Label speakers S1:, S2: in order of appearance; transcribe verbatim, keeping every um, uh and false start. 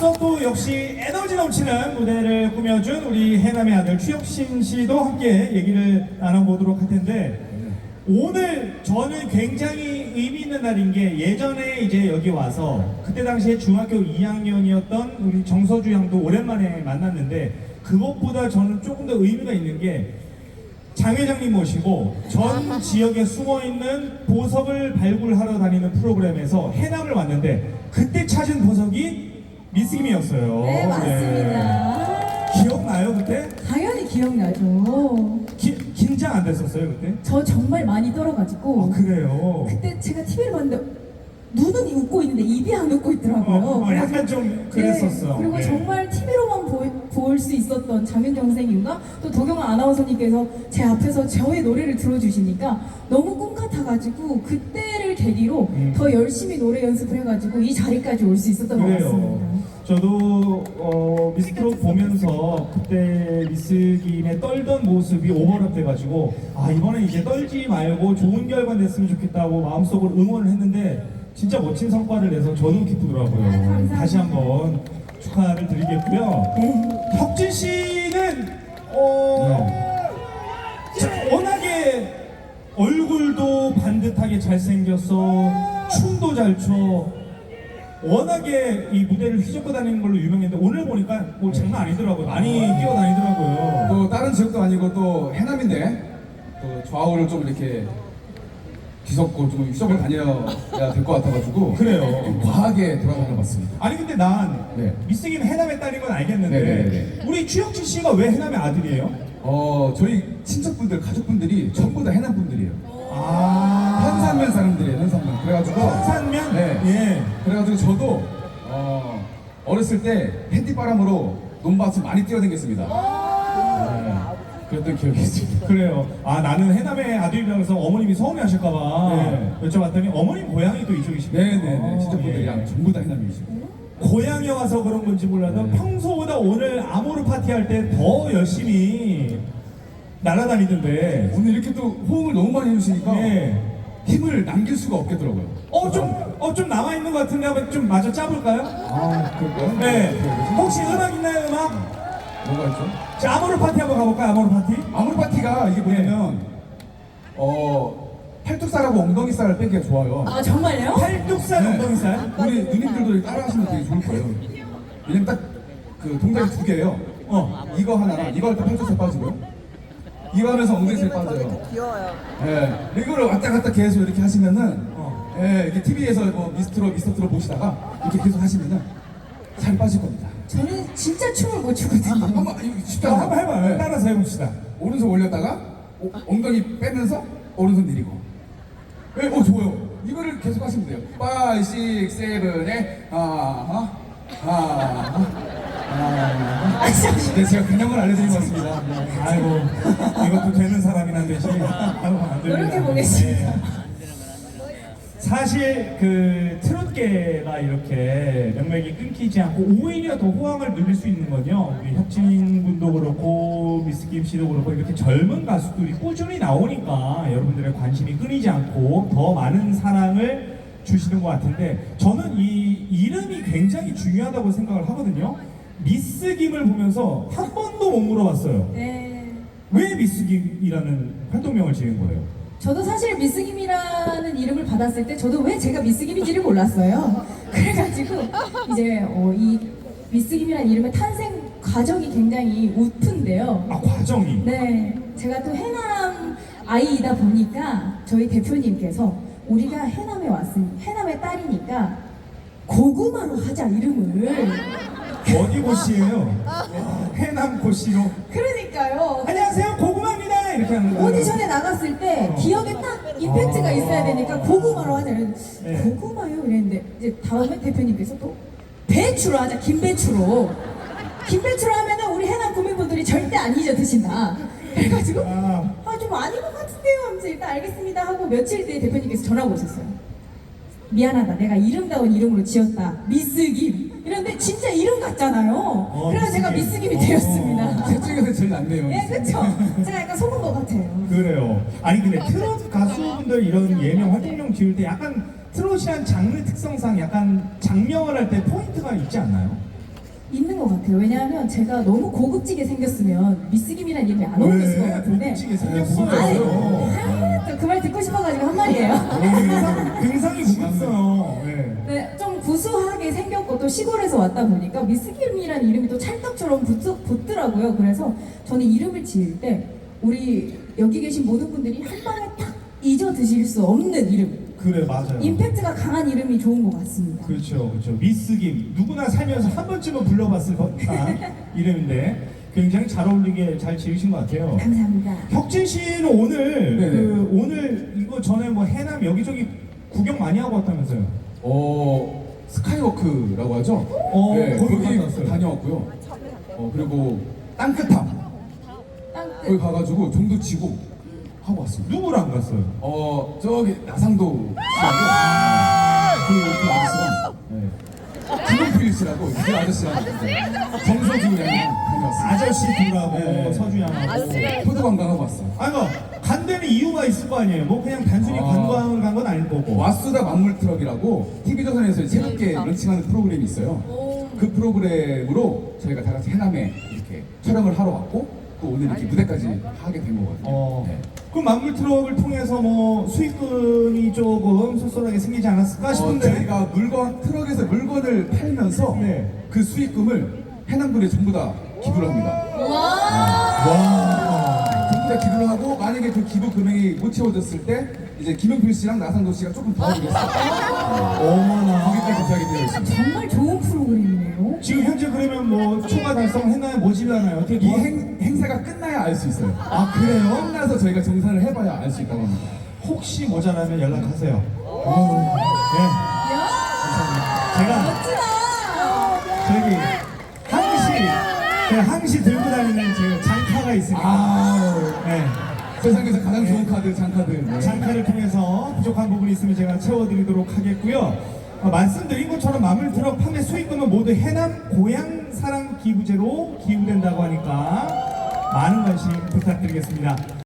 S1: 앞서 또 역시 에너지 넘치는 무대를 꾸며준 우리 해남의 아들 추혁신 씨도 함께 얘기를 나눠보도록 할 텐데, 오늘 저는 굉장히 의미 있는 날인 게, 예전에 이제 여기 와서 그때 당시에 중학교 이 학년이었던 우리 정서주 양도 오랜만에 만났는데, 그것보다 저는 조금 더 의미가 있는 게 장 회장님 모시고 전 지역에 숨어있는 보석을 발굴하러 다니는 프로그램에서 해남을 왔는데, 그때 찾은 보석이 미스김이었어요.
S2: 네, 맞습니다.
S1: 네. 기억나요 그때?
S2: 당연히 기억나죠.
S1: 기, 긴장 안 됐었어요 그때?
S2: 저 정말 많이 떨어가지고
S1: 아 그래요?
S2: 그때 제가 티비를 봤는데 눈은 웃고 있는데 입이 안 웃고 있더라고요.
S1: 어, 어, 약간 좀 그랬었어.
S2: 네, 그리고
S1: 네.
S2: 정말 티비로만 볼 수 있었던 장윤정 선생님과 또 도경아 아나운서님께서 제 앞에서 저의 노래를 들어주시니까 너무 꿈 같아가지고, 그때를 계기로
S1: 음.
S2: 더 열심히 노래 연습을 해가지고 이 자리까지 올 수 있었던 것
S1: 그래요.
S2: 같습니다.
S1: 저도 어, 미스트롯 보면서 그때 미스김의 떨던 모습이 오버랩 돼가지고, 아 이번에 이제 떨지 말고 좋은 결과 냈으면 좋겠다고 마음속으로 응원을 했는데, 진짜 멋진 성과를 내서 저도 기쁘더라고요.
S2: 아, 감사합니다.
S1: 다시 한번 축하를 드리겠고요.
S2: 네.
S1: 혁진 씨는 어, 자, 워낙에 얼굴도 반듯하게 잘생겨서 춤도 잘 춰, 워낙에 이 무대를 휘젓고 다니는 걸로 유명했는데, 오늘 보니까 뭐 장난 아니더라고요. 많이 뛰어다니더라고요.
S3: 또 다른 지역도 아니고 또 해남인데 또 좌우를 좀 이렇게 뒤섞고 좀 휘적을 다녀야 될 것 같아가지고
S1: 그래요.
S3: 좀 과하게 돌아다녀 봤습니다.
S1: 아니 근데 난
S3: 네.
S1: 미스김 해남의 딸인 건 알겠는데,
S3: 네네네.
S1: 우리 추혁진 씨가 왜 해남의 아들이에요?
S3: 어 저희 친척분들 가족분들이 전부 다 해남 분들이에요.
S1: 아,
S3: 현산면 사람들이에요. 현산면. 그래가지고
S1: 현산면?
S3: 네.
S1: 예.
S3: 그래가지고 저도 어, 어렸을 때 햇빛바람으로 논밭을 많이 뛰어다녔습니다. 네. 그랬던 기억이 있습니다.
S1: 그래요. 아 나는 해남의 아들이라고 해서 어머님이 서운해하실까봐
S3: 네.
S1: 여쭤봤더니 어머님 고향이 또 이쪽이시고요.
S3: 네네네. 친척분들이랑 전부 다 해남이시고.
S1: 고향에 와서 그런 건지 몰라도
S3: 네.
S1: 평소보다 오늘 아모르 파티 할 때 더 열심히 날아다니던데.
S3: 오늘 이렇게 또 호응을 너무 많이 해주시니까
S1: 네.
S3: 힘을 남길 수가 없겠더라고요.
S1: 어 좀 어 좀 남아 있는 것 같은데 한번 좀 마저 짜볼까요?
S3: 아, 그럴까요?
S1: 네.
S3: 그래요.
S1: 혹시 음악 있나요, 음악?
S3: 뭐가 있죠?
S1: 자, 아모르 파티 한번 가볼까요? 아모르 파티?
S3: 아모르 파티가 이게 뭐냐면 어 팔뚝살하고 엉덩이살을 빼기가 좋아요.
S2: 아 정말요?
S1: 팔뚝살,
S3: 네.
S1: 엉덩이살.
S3: 우리 누님들도 따라하시면 되게 좋을 거예요. 왜냐면 딱 그 동작이 두 개예요.
S1: 어.
S3: 이거 하나랑 이거 할 때 팔뚝살 빠지고요. 이거 하면서 엉덩이살 빠져요.
S4: 귀여워요.
S3: 예, 이거를 왔다 갔다 계속 이렇게 하시면은,
S1: 어.
S3: 예, 이렇게 티비에서 뭐 미스트로 미스터트로 보시다가 이렇게 계속 하시면은 살 빠질 겁니다.
S2: 저는 진짜 춤을 못 추거든요.
S3: 한번 이거 쉽지
S1: 자,
S3: 않아요.
S1: 한번 해봐요.
S3: 네.
S1: 따라서 해봅시다.
S3: 오른손 올렸다가 오, 엉덩이 빼면서 오른손 내리고. 예, 어 좋아요. 이거를 계속 하시면 돼요. 오, 육, 칠, 팔, 하하, 하하, 하하. 네, 제가 근형을 알려드린 것 같습니다. 네.
S1: 아이고, 이것도 되는 사람이나 되지. 아이고, 안 됩니다.
S2: 노력해보겠습니다.
S1: 네. 사실 그 트롯계가 이렇게 명맥이 끊기지 않고 오히려 더 호황을 누릴 수 있는 건요, 우리 혁진 군도 그렇고 미스김 씨도 그렇고 이렇게 젊은 가수들이 꾸준히 나오니까 여러분들의 관심이 끊이지 않고 더 많은 사랑을 주시는 것 같은데, 저는 이 이름이 굉장히 중요하다고 생각을 하거든요. 미스김을 보면서 한 번도 못 물어봤어요.
S2: 네.
S1: 왜 미스김이라는 활동명을 지은 거예요?
S2: 저도 사실 미스김이라는 이름을 받았을 때 저도 왜 제가 미스김인지를 몰랐어요. 그래가지고 이제 어, 이 미스김이라는 이름의 탄생 과정이 굉장히 우프인데요.
S1: 아, 과정이.
S2: 네, 제가 또 해남 아이이다 보니까 저희 대표님께서 우리가 해남에 왔으니 해남의 딸이니까 고구마로 하자 이름을.
S1: 어디 고씨예요? 해남 고씨로.
S2: 그러니까요.
S1: 안녕하세요, 고구마입니다. 이렇게 하는 거예요.
S2: 오디션에 나갔을 때
S1: 어.
S2: 기억에 딱 임팩트가
S1: 아.
S2: 있어야 되니까 고구마로 하자 이랬는데
S1: 네.
S2: 고구마요? 이랬는데 이제 다음에 대표님께서 또 배추로 하자, 김배추로. 김배추로 하면은 우리 해남 구민분들이 절대 안 잊어 드신다. 그래가지고
S1: 아.
S2: 아 좀 아닌 것 같은데요 하면서 일단 알겠습니다 하고 며칠 뒤에 대표님께서 전화가 오셨어요. 미안하다, 내가 이름다운 이름으로 지었다, 미스김. 이런데 진짜 이름 같잖아요.
S1: 어,
S2: 그래서 제가
S1: 미스김.
S2: 미스김이
S1: 어.
S2: 되었습니다.
S3: 셋 중에서 제일 낫네요.
S2: 예, 그쵸? 제가 약간 속은 것 같아요.
S1: 그래요. 아니 근데 트롯 가수분들 이런 예명 활동명 지을 때 약간 트롯이란 장르 특성상 약간 장명을 할 때 포인트가 있지 않나요?
S2: 있는 것 같아요. 왜냐하면 제가 너무 고급지게 생겼으면 미스김이라는 이름이 안 어울렸을 것 같은데.
S1: 고급지게
S2: 아니,
S1: 생겼어요.
S2: 그 말 듣고 싶어가지고 한 말이에요.
S1: 굉장히, 굉장히 고급어요. 네.
S2: 네, 좀 구수하게 생겼고 또 시골에서 왔다 보니까 미스김이라는 이름이 또 찰떡처럼 붙, 붙더라고요. 그래서 저는 이름을 지을 때 우리 여기 계신 모든 분들이 한 방에 딱 잊어 드실 수 없는 이름.
S1: 그래, 맞아요.
S2: 임팩트가 강한 이름이 좋은 것 같습니다.
S1: 그렇죠, 그렇죠. 미스김 누구나 살면서 한 번쯤은 불러봤을 법한 이름인데 굉장히 잘 어울리게 잘 지으신 것 같아요.
S2: 감사합니다.
S1: 혁진 씨는 오늘
S3: 네네.
S1: 그 오늘 이거 전에 뭐 해남 여기저기 구경 많이 하고 왔다면서요?
S3: 어 스카이워크라고 하죠?
S1: 어,
S3: 네,
S1: 거기
S3: 거기
S1: 갔다 왔어요.
S3: 다녀왔고요. 어 그리고 땅끝함 거기
S2: 땅끝.
S3: 가가지고 종도 치고 하고 왔습니다.
S1: 누구랑 갔어요?
S3: 어 저기 나상도 씨하고 그, 그 아저씨랑 네. 김용필 씨라고 그 아저씨랑 네. 정서주 양이랑 다녀왔습니다.
S1: 아저씨 둘하고
S3: 네.
S1: 서주 양하고.
S3: 포도 관광하고 왔어요.
S1: 아니 뭐간 데는 이유가 있을 거 아니에요. 뭐 그냥 단순히
S3: 아.
S1: 관광을 간 건 아닐 거고.
S3: 와수다 만물 트럭이라고 티비조선에서 새롭게 런칭하는 프로그램이 있어요. 그 프로그램으로 저희가 다 같이 해남에 이렇게 촬영을 하러 왔고 또 오늘 이렇게 무대까지 하게 된 거거든요.
S1: 어.
S3: 네.
S1: 그럼 만물 트럭을 통해서 뭐 수익금이 조금 쏠쏠하게 생기지 않았을까
S3: 어,
S1: 싶은데.
S3: 저희가 물건 트럭에서 물건을 팔면서
S1: 네.
S3: 그 수익금을 해남군에 전부 다 기부를 합니다.
S1: 와.
S3: 전부 다 기부를 하고 만약에 그 기부 금액이 못 채워졌을 때 이제 김용필 씨랑 나상도 씨가 조금 도와주겠어요.
S1: 어머나.
S3: 거기까지 제작이 되어 있습니다.
S2: 정말 좋은 프로그램이네요.
S1: 지금 현재 그러면 뭐 초과 달성했나요? 뭐지않아요 어떻게
S3: 이
S1: 뭐-
S3: 행, 행사가 끝나야 알 수 있어요.
S1: 아 그래요?
S3: 끝나서 저희가 정산을 해봐야 알 수 있다고 합니다.
S1: 혹시 모자라면 연락하세요. 네.
S2: 야,
S1: 제가
S2: 멋지다.
S1: 저기 항시 제가 항시 들고 다니는 제 장카가 있습니다.
S3: 아,
S1: 네.
S3: 세상에서 가장 좋은 카드, 장카드. 네.
S1: 장카를 통해서 부족한 부분이 있으면 제가 채워드리도록 하겠고요. 어, 말씀드린 것처럼 마물 트럭 판매 수익금은 모두 해남 고향 사랑 기부제로 기부된다고 하니까 많은 관심 부탁드리겠습니다.